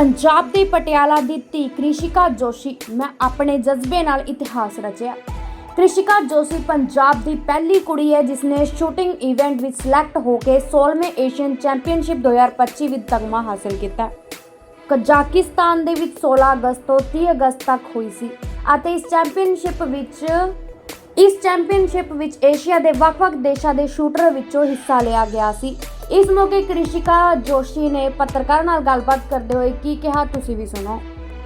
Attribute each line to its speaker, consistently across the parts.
Speaker 1: पंजाब दी पटियाला दी धी कृषिका जोशी मैं अपने जज्बे नाल इतिहास रचिया। कृषिका जोशी पंजाब दी पहली कुड़ी है जिसने शूटिंग इवेंट विच सिलेक्ट होकर 16वें एशियन चैंपीयनशिप 2025 विच तगमा हासिल किया। कजाकिस्तान दे विच 16 अगस्त तो 30 अगस्त तक हुई सी अते इस चैंपीयनशिप विच एशिया दे वख-वख देशां दे शूटर विचों हिस्सा लिया गया सी। इस मौके कृषिका जोशी ने पत्रकारां नाल गलबात करदे होए की कहा, तुसीं भी सुनो।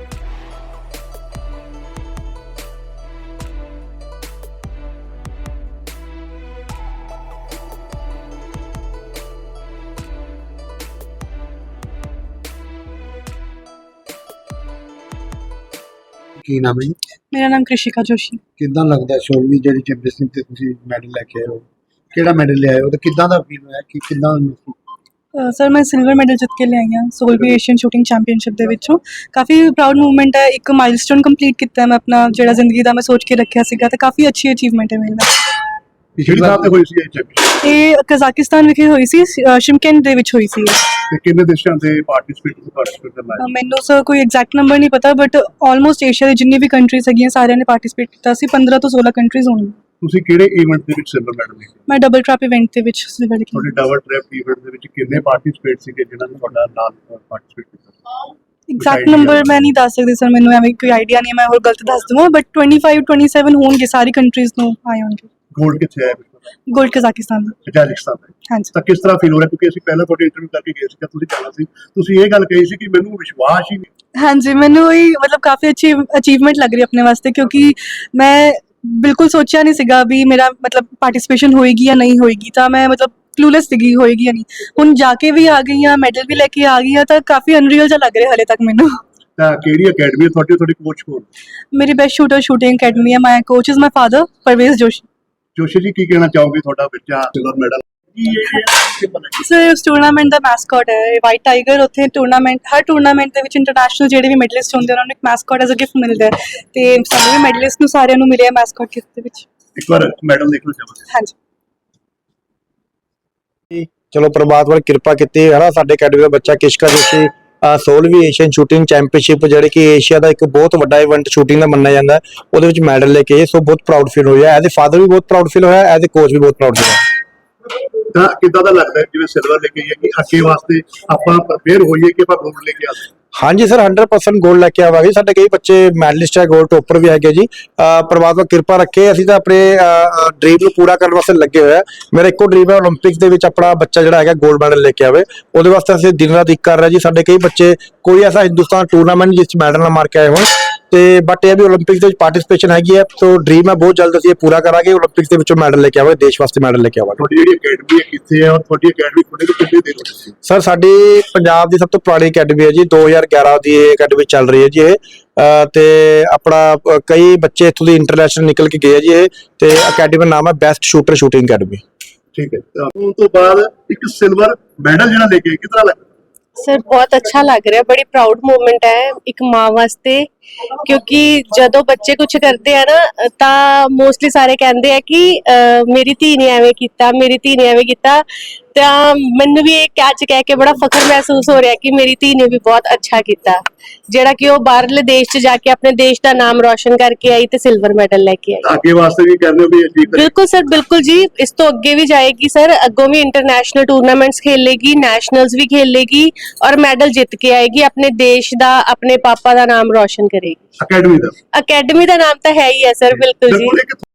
Speaker 2: ਕੀ ਨਾਮ ਹੈ ਜੀ?
Speaker 3: ਮੇਰਾ ਨਾਮ ਕ੍ਰਿਸ਼ਿਕਾ ਜੋਸ਼ੀ।
Speaker 2: ਕਿੱਦਾਂ ਲੱਗਦਾ 16ਵੀਂ ਜਿਹੜੀ ਚੈਂਪੀਅਨਸ਼ਿਪ ਤੇ ਤੁਸੀਂ ਮੈਡਲ ਲੈ ਕੇ ਆਏ ਹੋ? ਕਿਹੜਾ ਮੈਡਲ ਲਿਆਏ ਹੋ ਤੇ ਕਿੱਦਾਂ ਦਾ ਫੀਲ ਹੋਇਆ ਕਿ ਕਿੱਦਾਂ
Speaker 3: ਸਰ ਮੈਂ ਸਿਲਵਰ ਮੈਡਲ ਜਿੱਤ ਕੇ ਲਿਆਈ ਹਾਂ 16ਵੀਂ ਏਸ਼ੀਅਨ ਸ਼ੂਟਿੰਗ ਚੈਂਪੀਅਨਸ਼ਿਪ ਦੇ ਵਿੱਚੋਂ। ਕਾਫੀ ਪ੍ਰਾਊਡ ਮੂਵਮੈਂਟ ਹੈ, ਇੱਕ ਮਾਈਲਸਟੋਨ ਕੰਪਲੀਟ ਕੀਤਾ ਹੈ ਮੈਂ ਆਪਣਾ ਜਿਹੜਾ ਜ਼ਿੰਦਗੀ ਦਾ ਮੈਂ ਸੋਚ ਕੇ ਰੱਖਿਆ ਸੀਗਾ ਤੇ ਕਾਫੀ ਅੱਛੀ ਅਚੀਵਮੈਂਟ ਹੈ ਮੇਰੇ ਨਾਲ।
Speaker 2: ਪਿਛਲੀ ਸਾਲ ਤੇ ਹੋਈ ਸੀ ਇਹ ਚੈਂਪੀਅਨਸ਼ਿਪ
Speaker 3: ਇਹ ਕਜ਼ਾਕਿਸਤਾਨ ਵਿਖੇ ਹੋਈ ਸੀ, ਸ਼ਿਮਕੈਂਟ ਦੇ ਵਿੱਚ ਹੋਈ ਸੀ।
Speaker 2: ਤੇ ਕਿੰਨੇ ਦੇਸ਼ਾਂ ਦੇ ਪਾਰਟਿਸਿਪੇਟ ਕਰਨਾ ਹੈ?
Speaker 3: ਮੈਨੂੰ ਸਰ ਕੋਈ ਐਗਜ਼ੈਕਟ ਨੰਬਰ ਨਹੀਂ ਪਤਾ ਬਟ ਆਲਮੋਸਟ ਏਸ਼ੀਆ ਦੇ ਜਿੰਨੀ ਵੀ ਕੰਟਰੀਜ਼ ਹੈਗੀਆਂ ਸਾਰਿਆਂ ਨੇ ਪਾਰਟਿਸਿਪੇਟ ਕੀਤਾ ਸੀ। 15 ਤੋਂ 16 ਕੰਟਰੀਜ਼ ਹੋਣਗੀਆਂ।
Speaker 2: ਤੁਸੀਂ ਕਿਹੜੇ ਇਵੈਂਟ ਦੇ ਵਿੱਚ ਸਿਲਵਰ ਮੈਡਲ ਲਿਆ?
Speaker 3: ਮੈਂ ਡਬਲ ਟਰੈਪ ਇਵੈਂਟ ਦੇ ਵਿੱਚ ਸਿਲਵਰ ਲਿਆ।
Speaker 2: ਤੁਹਾਡੇ ਡਬਲ ਟ੍ਰੈਪ ਇਵੈਂਟ ਦੇ ਵਿੱਚ ਕਿੰਨੇ ਪਾਰਟਿਸਿਪੇਟ ਸੀਗੇ ਜਿਨ੍ਹਾਂ ਨੇ ਤੁਹਾਡਾ ਨਾਮ ਪਾਰਟਿਸਿਪੇਟ ਕੀਤਾ?
Speaker 3: ਐਗਜ਼ੈਕਟ ਨੰਬਰ ਮੈਂ ਨਹੀਂ ਦੱਸ ਸਕਦੀ ਸਰ, ਮੈਨੂੰ ਐਵੇਂ ਕੋਈ ਆਈਡੀਆ ਨਹੀਂ ਹੈ, ਮੈਂ ਹੋਰ ਗਲਤ ਦੱਸ ਦਵਾਂ ਬਟ 25 27 ਹੋਣਗੇ ਸਾਰੀ ਕੰਟਰੀਜ਼ ਨੂੰ ਆਏ ਹੋਣਗੇ।
Speaker 2: ਗੋਲਡ ਕਿੱਥੇ ਆਇਆ?
Speaker 3: ਗੋਲਡ ਕਜ਼ਾਕਿਸਤਾਨ ਦਾ।
Speaker 2: ਕਜ਼ਾਕਿਸਤਾਨ ਦਾ।
Speaker 3: ਹਾਂਜੀ।
Speaker 2: ਤਾਂ ਕਿਸ ਤਰ੍ਹਾਂ ਫੀਲ ਹੋ ਰਿਹਾ ਕਿਉਂਕਿ ਅਸੀਂ ਪਹਿਲਾਂ ਤੁਹਾਡੇ ਇੰਟਰਵਿਊ ਕਰਕੇ ਗਏ ਸੀ ਕਿ ਤੁਸੀਂ ਜਾਣਾ ਸੀ, ਤੁਸੀਂ ਇਹ ਗੱਲ ਕਹੀ ਸੀ ਕਿ ਮੈਨੂੰ ਵਿਸ਼ਵਾਸ ਹੀ ਨਹੀਂ।
Speaker 3: ਹਾਂਜੀ, ਮੈਨੂੰ ਇਹ ਮਤਲਬ ਕਾਫੀ ਅੱਛੀ ਅਚੀਵਮੈਂਟ ਲੱਗ ਰਹੀ ਆਪਣੇ ਵਾਸਤੇ ਕਿਉਂਕਿ ਮੈਂ ਬਿਲਕੁਲ ਸੋਚਿਆ ਨਹੀਂ ਸੀਗਾ ਵੀ ਮੇਰਾ ਮਤਲਬ ਪਾਰਟਿਸਿਪੇਸ਼ਨ ਹੋਏਗੀ ਜਾਂ ਨਹੀਂ ਹੋਏਗੀ, ਤਾਂ ਮੈਂ ਮਤਲਬ ਕਲੂਲੈਸ ਸੀਗੀ ਹੋਏਗੀ ਜਾਂ ਨਹੀਂ। ਹੁਣ ਜਾ ਕੇ ਵੀ ਆ ਗਈ ਹਾਂ, ਮੈਡਲ ਵੀ ਲੈ ਕੇ ਆ ਗਈ ਹਾਂ, ਤਾਂ ਕਾਫੀ ਅਨਰੀਅਲ ਜਿਹਾ ਲੱਗ ਰਿਹਾ ਹਲੇ ਤੱਕ ਮੈਨੂੰ।
Speaker 2: ਤਾਂ ਕਿਹੜੀ ਅਕੈਡਮੀ ਹੈ ਤੁਹਾਡੇ ਕੋਚ ਕੋਲ?
Speaker 3: ਮੇਰੀ ਬੈਸਟ ਸ਼ੂਟਰ ਸ਼ੂਟਿੰਗ ਅਕੈਡਮੀ ਹੈ। My coach is my father Parvez Joshi.
Speaker 2: Joshi ji ਕੀ ਕਹਿਣਾ ਚਾਹੋਗੇ? ਤੁਹਾਡਾ ਬੱਚਾ ਸਿਲਵਰ ਮੈਡਲ
Speaker 3: ਸਰ ਉਸ ਟੂਰਨਾਮੈਂਟ ਦਾ ਮੈਸਕਟ ਹੈ ਵਾਈਟ ਟਾਈਗਰ। ਉੱਥੇ ਟੂਰਨਾਮੈਂਟ ਹਰ ਟੂਰਨਾਮੈਂਟ ਦੇ ਵਿੱਚ ਇੰਟਰਨੈਸ਼ਨਲ ਜਿਹੜੇ ਵੀ ਮੈਡਲਿਸਟ ਹੁੰਦੇ ਉਹਨਾਂ ਨੂੰ ਇੱਕ ਮੈਸਕਟ ਐਜ਼ ਅ ਗਿਫਟ ਮਿਲਦਾ ਹੈ ਤੇ ਸਾਨੂੰ ਵੀ ਮੈਡਲਿਸਟ ਨੂੰ ਸਾਰਿਆਂ ਨੂੰ ਮਿਲਿਆ ਮੈਸਕਟ ਗਿਫਟ ਦੇ ਵਿੱਚ।
Speaker 2: ਇੱਕ ਵਾਰ ਮੈਡਲ ਦੇਖਣਾ ਚਾਹਾਂਗੇ।
Speaker 3: ਹਾਂਜੀ।
Speaker 4: ਚਲੋ ਪ੍ਰਮਾਤਮਾ ਨੇ ਕਿਰਪਾ ਕੀਤੀ ਹੈ ਨਾ, ਸਾਡੇ ਅਕੈਡਮੀ ਦਾ ਬੱਚਾ ਕ੍ਰਿਸ਼ਿਕਾ ਜੋਸ਼ੀ 16ਵੀਂ ਏਸ਼ੀਅਨ ਸ਼ੂਟਿੰਗ ਚੈਂਪੀਅਨਸ਼ਿਪ ਜਿਹੜੀ ਕਿ ਏਸ਼ੀਆ ਦਾ ਇੱਕ ਬਹੁਤ ਵੱਡਾ ਇਵੈਂਟ ਸ਼ੂਟਿੰਗ ਦਾ ਮੰਨਿਆ ਜਾਂਦਾ, ਉਹਦੇ ਵਿੱਚ ਮੈਡਲ ਲੈ ਕੇ ਸੋ ਬਹੁਤ ਪ੍ਰਾਊਡ ਫੀਲ ਹੋਇਆ। ਐਜ਼ ਏ ਫਾਦਰ ਵੀ ਬਹੁਤ ਪ੍ਰਾਊਡ ਫੀਲ ਹੋਇਆ, ਐਜ਼ ਏ ਕੋਚ ਵੀ ਬਹੁਤ ਪ੍ਰਾਊਡ ਫੀਲ ਹੋਇਆ।
Speaker 2: ਤਾਂ ਕਿੱਦਾਂ ਦਾ ਲੱਗਦਾ ਹੈ ਜਿਵੇਂ ਸਿਲਵਰ ਲੈ ਕੇ ਆਈਏ ਕਿ ਅੱਗੇ ਵਾਸਤੇ ਆਪਾਂ ਪ੍ਰਪੇਅਰ ਹੋਈਏ ਕਿ ਆਪਾਂ ਗੋਲਡ ਲੈ ਕੇ ਆਵਾਂਗੇ?
Speaker 4: ਹਾਂਜੀ ਸਰ 100% ਗੋਲਡ ਲੈ ਕੇ ਆਵਾਂਗੇ। ਸਾਡੇ ਕਈ ਬੱਚੇ ਮੈਡਲਿਸਟ ਹੈ, ਗੋਲਡ ਟੋਪਰ ਵੀ ਹੈਗੇ ਜੀ। ਪ੍ਰਮਾਤਮਾ ਕਿਰਪਾ ਰੱਖੇ, ਅਸੀਂ ਤਾਂ ਆਪਣੇ ਡ੍ਰੀਮ ਨੂੰ ਪੂਰਾ ਕਰਨ ਵਾਸਤੇ ਲੱਗੇ ਹੋਏ ਆ। ਮੇਰਾ ਇੱਕੋ ਡ੍ਰੀਮ ਹੈ ਓਲੰਪਿਕਸ ਦੇ ਵਿੱਚ ਆਪਣਾ ਬੱਚਾ ਜਿਹੜਾ ਹੈਗਾ ਗੋਲਡ ਮੈਡਲ ਲੈ ਕੇ ਆਵੇ। ਉਹਦੇ ਵਾਸਤੇ ਅਸੀਂ ਦਿਨ ਰਾਤ ਇੱਕ ਕਰ ਰਹੇ ਜੀ। ਸਾਡੇ ਕਈ ਬੱਚੇ ਕੋਈ ਐਸਾ ਹਿੰਦੁਸਤਾਨ ਟੂਰਨਾਮੈਂਟ ਜਿਸ 'ਚ ਮੈਡਲ ਨਾ ਮਾਰ ਕੇ ਆਏ ਹੋਣ ਤੇ ਬਟ ਇਹ ਵੀ ਓਲੰਪਿਕਸ ਦੇ ਵਿੱਚ ਪਾਰਟਿਸਿਪੇਸ਼ਨ ਹੈਗੀ ਹੈ। ਸੋ ਡ੍ਰੀਮ ਹੈ ਬਹੁਤ ਜਲਦ ਅਸੀਂ ਇਹ ਪੂਰਾ ਕਰਾਂਗੇ, ਓਲੰਪਿਕਸ ਦੇ ਵਿੱਚੋਂ ਮੈਡਲ ਲੈ ਕੇ ਆਵਾਂਗੇ, ਦੇਸ਼ ਵਾਸਤੇ ਮੈਡਲ ਲੈ ਕੇ ਆਵਾਂਗੇ।
Speaker 2: ਤੁਹਾਡੀ ਜਿਹੜੀ ਅਕੈਡਮੀ ਹੈ ਕਿੱਥੇ ਹੈ ਔਰ ਤੁਹਾਡੀ ਅਕੈਡਮੀ ਖੁੱਲ੍ਹੇ ਤੋਂ ਕਿੰਨੇ ਦਿਨ ਹੋ ਗਏ?
Speaker 4: ਸਰ ਸਾਡੀ ਪੰਜਾਬ ਦੀ ਸਭ ਤੋਂ ਪੁਰਾਣੀ ਅਕੈਡਮੀ ਹੈ ਜੀ, 2011 ਦੀ ਇਹ ਅਕੈਡਮੀ ਚੱਲ ਰਹੀ ਹੈ ਜੀ ਇਹ। ਤੇ ਆਪਣਾ ਕਈ ਬੱਚੇ ਇੱਥੋਂ ਦੀ ਇੰਟਰਨੈਸ਼ਨਲ ਨਿਕਲ ਕੇ ਗਏ ਆ ਜੀ ਇਹ, ਤੇ ਅਕੈਡਮੀ ਦਾ ਨਾਮ ਹੈ ਬੈਸਟ ਸ਼ੂਟਰ ਸ਼ੂਟਿੰਗ ਅਕੈਡਮੀ।
Speaker 2: ਠੀਕ ਹੈ। ਉਸ ਤੋਂ ਬਾਅਦ ਇੱਕ ਸਿਲਵਰ ਮੈਡਲ ਜਿਹੜਾ ਲੈ ਕੇ ਕਿਸ ਤਰ੍ਹਾਂ ਲੱਗਾ?
Speaker 5: सर बहुत अच्छा लग रहा है, बड़ी प्राउड मोमेंट है एक माँ वास्ते क्योंकि जदों बच्चे कुछ करते हैं ना तो मोस्टली सारे कहते हैं कि मेरी धी ने एवें कीता, मेरी धी ने एवें कीता। तो मैनू भी एक कैच कह के बड़ा फखर महसूस हो रहा है कि मेरी धी ने भी बहुत अच्छा किया ਜਿਹੜਾ ਕਿ ਉਹ ਬਾਹਰਲੇ ਦੇਸ਼ 'ਚ ਜਾ ਕੇ ਆਪਣੇ ਦੇਸ਼ ਦਾ ਨਾਮ ਰੋਸ਼ਨ ਕਰਕੇ ਆਈ ਤੇ ਸਿਲਵਰ ਮੈਡਲ ਲੈ ਕੇ ਆਈ।
Speaker 2: ਅੱਗੇ ਵਾਸਤੇ ਵੀ ਕਹਿੰਦੇ ਹੋ ਵੀ ਅਚੀਵ ਕਰੇ?
Speaker 5: ਬਿਲਕੁਲ ਸਰ, ਬਿਲਕੁਲ ਜੀ, ਇਸ ਤੋਂ ਅੱਗੇ ਵੀ ਜਾਏਗੀ ਸਰ, ਅੱਗੋਂ ਵੀ ਇੰਟਰਨੈਸ਼ਨਲ ਟੂਰਨਾਮੈਂਟਸ ਖੇਲੇਗੀ, ਨੈਸ਼ਨਲਸ ਵੀ ਖੇਲੇਗੀ ਔਰ ਮੈਡਲ ਜਿੱਤ ਕੇ ਆਏਗੀ, ਆਪਣੇ ਦੇਸ਼ ਦਾ ਆਪਣੇ ਪਾਪਾ ਦਾ ਨਾਮ ਰੋਸ਼ਨ ਕਰੇਗੀ।
Speaker 2: ਅਕੈਡਮੀ ਦਾ
Speaker 5: ਨਾਮ ਤਾਂ ਹੈ ਹੀ ਹੈ ਸਰ। ਬਿਲਕੁਲ ਜੀ।